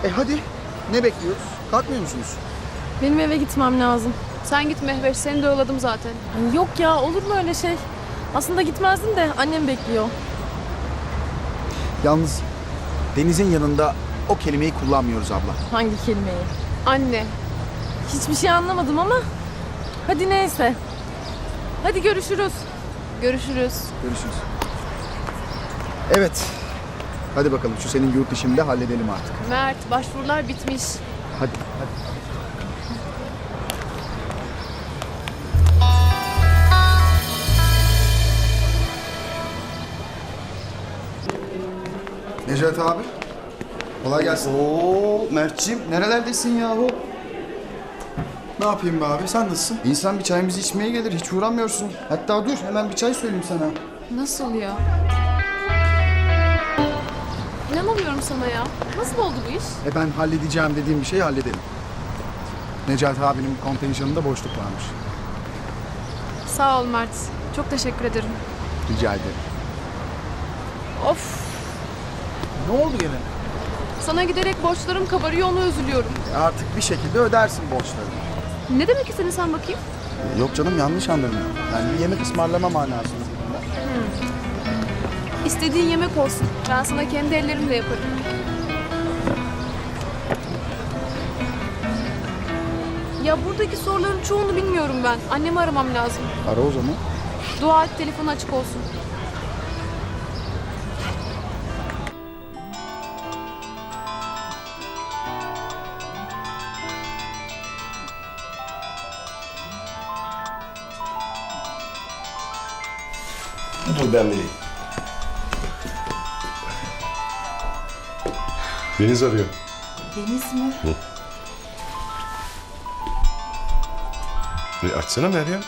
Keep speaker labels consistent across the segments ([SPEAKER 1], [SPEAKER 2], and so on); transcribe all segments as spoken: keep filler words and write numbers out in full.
[SPEAKER 1] E hadi. Ne bekliyoruz? Kalkmıyor musunuz?
[SPEAKER 2] Benim eve gitmem lazım.
[SPEAKER 3] Sen git Mehveş, seni de yolladım zaten.
[SPEAKER 2] Ay yok ya, olur mu öyle şey? Aslında gitmezdim de annem bekliyor.
[SPEAKER 1] Yalnız Deniz'in yanında o kelimeyi kullanmıyoruz abla.
[SPEAKER 2] Hangi kelimeyi?
[SPEAKER 3] Anne.
[SPEAKER 2] Hiçbir şey anlamadım ama. Hadi neyse. Hadi görüşürüz.
[SPEAKER 3] Görüşürüz.
[SPEAKER 1] Görüşürüz. Evet. Hadi bakalım şu senin yurt işini de halledelim artık.
[SPEAKER 3] Mert, başvurular bitmiş.
[SPEAKER 1] Hadi, hadi. Necati abi. Kolay gelsin.
[SPEAKER 4] Oo Mert'ciğim nerelerdesin yahu?
[SPEAKER 1] Ne yapayım be abi? Sen nasılsın?
[SPEAKER 4] İnsan bir çayımızı içmeye gelir, hiç uğramıyorsun. Hatta dur, hemen bir çay söyleyeyim sana.
[SPEAKER 3] Nasıl ya? İnanamıyorum sana ya. Nasıl oldu bu iş?
[SPEAKER 1] E ben halledeceğim dediğim bir şeyi halledelim. Necati abinin kontenjanında boşluk varmış.
[SPEAKER 3] Sağ ol Mert. Çok teşekkür ederim.
[SPEAKER 1] Rica ederim.
[SPEAKER 3] Of.
[SPEAKER 1] Ne oldu gene?
[SPEAKER 3] Sana giderek borçlarım kabarıyor, ona üzülüyorum.
[SPEAKER 1] E artık bir şekilde ödersin borçlarını.
[SPEAKER 3] Ne demek istedin sen bakayım?
[SPEAKER 1] E yok canım, yanlış anladın. Yani bir yemek ısmarlama manasında.
[SPEAKER 3] İstediğin yemek olsun. Ben sana kendi ellerimle yaparım. Ya buradaki soruların çoğunu bilmiyorum ben. Annemi aramam lazım.
[SPEAKER 1] Ara o zaman.
[SPEAKER 3] Dua et telefonu açık olsun.
[SPEAKER 5] Dur ben vereyim. Deniz arıyor.
[SPEAKER 6] Deniz mi?
[SPEAKER 5] E, açsana Meryem.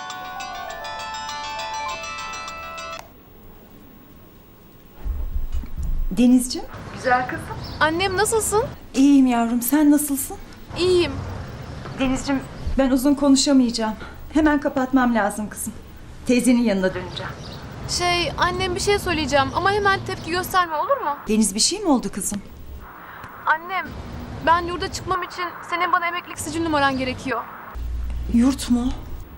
[SPEAKER 6] Denizciğim.
[SPEAKER 3] Annem nasılsın?
[SPEAKER 6] İyiyim yavrum, sen nasılsın?
[SPEAKER 3] İyiyim.
[SPEAKER 6] Denizciğim, ben uzun konuşamayacağım. Hemen kapatmam lazım kızım. Teyzenin yanına döneceğim.
[SPEAKER 3] Şey, annem bir şey söyleyeceğim ama hemen tepki gösterme, olur mu?
[SPEAKER 6] Deniz, bir şey mi oldu kızım?
[SPEAKER 3] Annem, ben yurda çıkmam için senin bana emeklilik sicil numaran gerekiyor.
[SPEAKER 6] Yurt mu?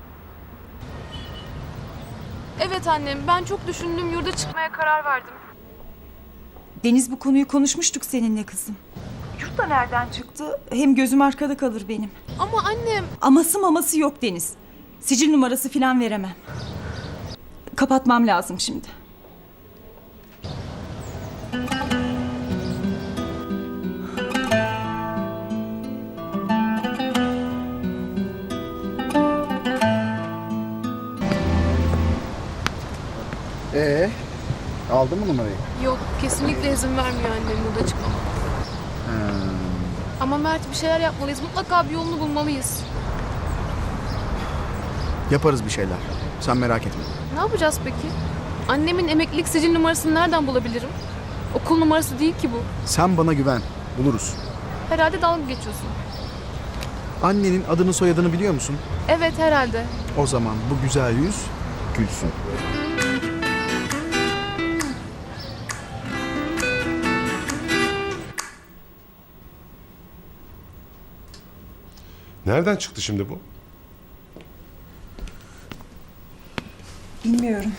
[SPEAKER 3] Evet annem, ben çok düşündüm, yurda çıkmaya karar verdim.
[SPEAKER 6] Deniz, bu konuyu konuşmuştuk seninle kızım. Yurt da nereden çıktı? Hem gözüm arkada kalır benim.
[SPEAKER 3] Ama annem...
[SPEAKER 6] Aması maması yok Deniz. Sicil numarası falan veremem. Kapatmam lazım şimdi.
[SPEAKER 1] Ee, aldın mı numarayı?
[SPEAKER 3] Yok, kesinlikle izin vermiyor annem yurda çıkmama. Ama Mert, bir şeyler yapmalıyız. Mutlaka bir yolunu bulmalıyız.
[SPEAKER 1] Yaparız bir şeyler. Sen merak etme.
[SPEAKER 3] Ne yapacağız peki? Annemin emeklilik sicil numarasını nereden bulabilirim? Okul numarası değil ki bu.
[SPEAKER 1] Sen bana güven. Buluruz.
[SPEAKER 3] Herhalde dalga geçiyorsun.
[SPEAKER 1] Annenin adını soyadını biliyor musun?
[SPEAKER 3] Evet, herhalde.
[SPEAKER 1] O zaman bu güzel yüz gülsün.
[SPEAKER 5] Nereden çıktı şimdi bu?
[SPEAKER 6] Bilmiyorum.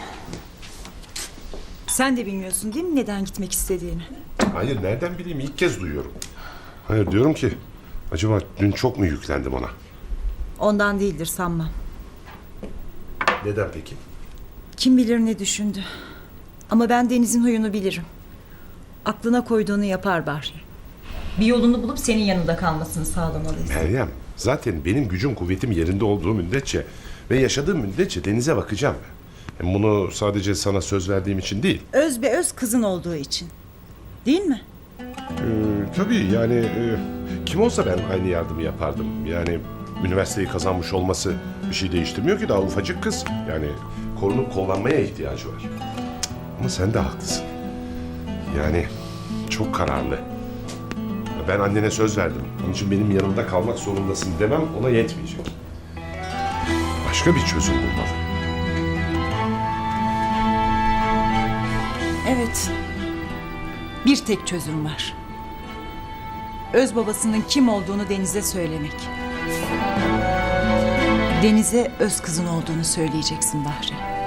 [SPEAKER 6] Sen de bilmiyorsun değil mi neden gitmek istediğini?
[SPEAKER 5] Hayır, nereden bileyim, ilk kez duyuyorum. Hayır, diyorum ki acaba dün çok mu yüklendim ona?
[SPEAKER 6] Ondan değildir sanmam.
[SPEAKER 5] Neden peki?
[SPEAKER 6] Kim bilir ne düşündü. Ama ben Deniz'in huyunu bilirim. Aklına koyduğunu yapar Bahri. Bir yolunu bulup senin yanında kalmasını sağlamalıyız.
[SPEAKER 5] Meryem, zaten benim gücüm kuvvetim yerinde olduğu müddetçe ve yaşadığım müddetçe Deniz'e bakacağım. Hem bunu sadece sana söz verdiğim için değil.
[SPEAKER 6] Öz be öz kızın olduğu için. Değil mi?
[SPEAKER 5] Ee, tabii yani e, kim olsa ben aynı yardımı yapardım. Yani üniversiteyi kazanmış olması bir şey değiştirmiyor ki, daha ufacık kız. Yani korunup kollanmaya ihtiyacı var. Cık, ama sen de haklısın. Yani çok kararlı. Ben annene söz verdim. Onun için benim yanımda kalmak zorundasın demem ona yetmeyecek. Başka bir çözüm bulmalı.
[SPEAKER 6] Evet. Bir tek çözüm var. öz babasının kim olduğunu Deniz'e söylemek. Deniz'e öz kızın olduğunu söyleyeceksin Bahri.